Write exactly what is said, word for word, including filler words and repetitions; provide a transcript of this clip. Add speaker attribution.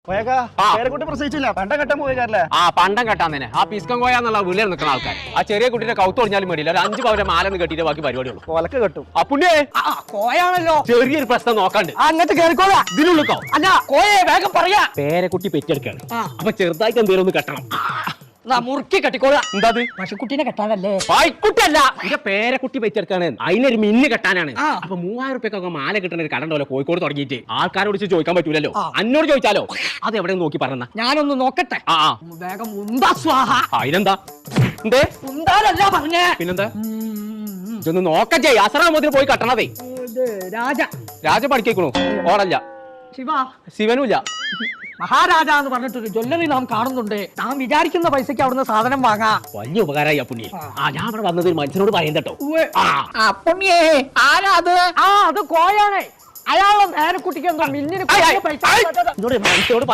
Speaker 1: പേരക്കുട്ടി പ്രസവിച്ചില്ല പണ്ടം കെട്ടാൻ പോയല്ലേ?
Speaker 2: ആ പണ്ടം കെട്ടാൻ തന്നെ ആ പിസ്കം കോയ എന്നുള്ള വീട്ടിൽ നിൽക്കുന്ന ആൾക്കാർ ആ ചെറിയ കുട്ടിയുടെ കൗത്ത് ഒടിഞ്ഞാലും വേണ്ടിയില്ല ഒരു അഞ്ച് പവരെ മാലെന്ന് കെട്ടിയിട്ട് ബാക്കി പരിപാടിയുള്ളൂ.
Speaker 1: കൊലക്ക് കെട്ടും.
Speaker 2: ആ പുണ്യേ
Speaker 3: കോയാണല്ലോ
Speaker 2: ചെറിയൊരു പ്രശ്നം നോക്കാണ്ട്
Speaker 3: അങ്ങോട്ട് കേറിക്കോളാ.
Speaker 2: ഇതിനുള്ളിക്കോ
Speaker 3: അല്ല കോയെ വേഗം പറയാ.
Speaker 2: പേരക്കുട്ടി പെറ്റെടുക്കാണ്. അപ്പൊ ചെറുതായിട്ട് എന്തെങ്കിലും ഒന്ന് കെട്ടണം.
Speaker 3: മുറുക്കി കെട്ടിക്കോളാ.
Speaker 2: എന്താ
Speaker 3: പശുക്കുട്ടീനെ കെട്ടാനല്ലേ?
Speaker 2: പായ്ക്കുട്ടല്ല എന്റെ പേരക്കുട്ടി പെറ്റെടുക്കാണ്. അതിനൊരു മിന്ന് കെട്ടാനാണ്. അപ്പൊ മൂവായിരം റുപ്യൊക്കെ മാല കിട്ടുന്ന ഒരു കട ഉണ്ടല്ലോ കോഴിക്കോട് തുടങ്ങിയിട്ട്. ആൾക്കാരോട് ചോദിക്കാൻ പറ്റൂലല്ലോ. അന്നോട് ചോദിച്ചാലോ? അത് എവിടെ നോക്കി പറഞ്ഞ
Speaker 3: ഞാനൊന്ന് നോക്കട്ടെ.
Speaker 2: ആ
Speaker 3: വേഗം ഉന്താ സ്വാഹ.
Speaker 2: അതിനെന്താ എന്തേ
Speaker 3: ഉന്താലല്ല പറഞ്ഞേ.
Speaker 2: പിന്നെന്താ ഇതൊന്ന് നോക്കച്ചേ. അസറാമത്തിന് പോയി കെട്ടണതേ.
Speaker 3: രാജ
Speaker 2: രാജ പഠിക്കണു ഓടല്ല.
Speaker 3: ശിവ
Speaker 2: ശിവനുമില്ല.
Speaker 3: മഹാരാജ എന്ന് പറഞ്ഞിട്ടൊരു ജ്വല്ലറി നാം കാണുന്നുണ്ട്. നാം വിചാരിക്കുന്ന പൈസക്ക് അവിടുന്ന് സാധനം വാങ്ങാം.
Speaker 2: വലിയ ഉപകാരമായി ആ പുണ്യ. ആ ഞാൻ അവിടെ വന്നത് ഒരു മനുഷ്യനോട് പറയാൻ കേട്ടോ.
Speaker 3: പുണ്യേ ആരാ അത്? ആ അത് കോയാണ്. അയാളുടെ നേരക്കുട്ടിക്ക് എന്താ മില്ലിന് പൈസ
Speaker 2: മനുഷ്യനോട്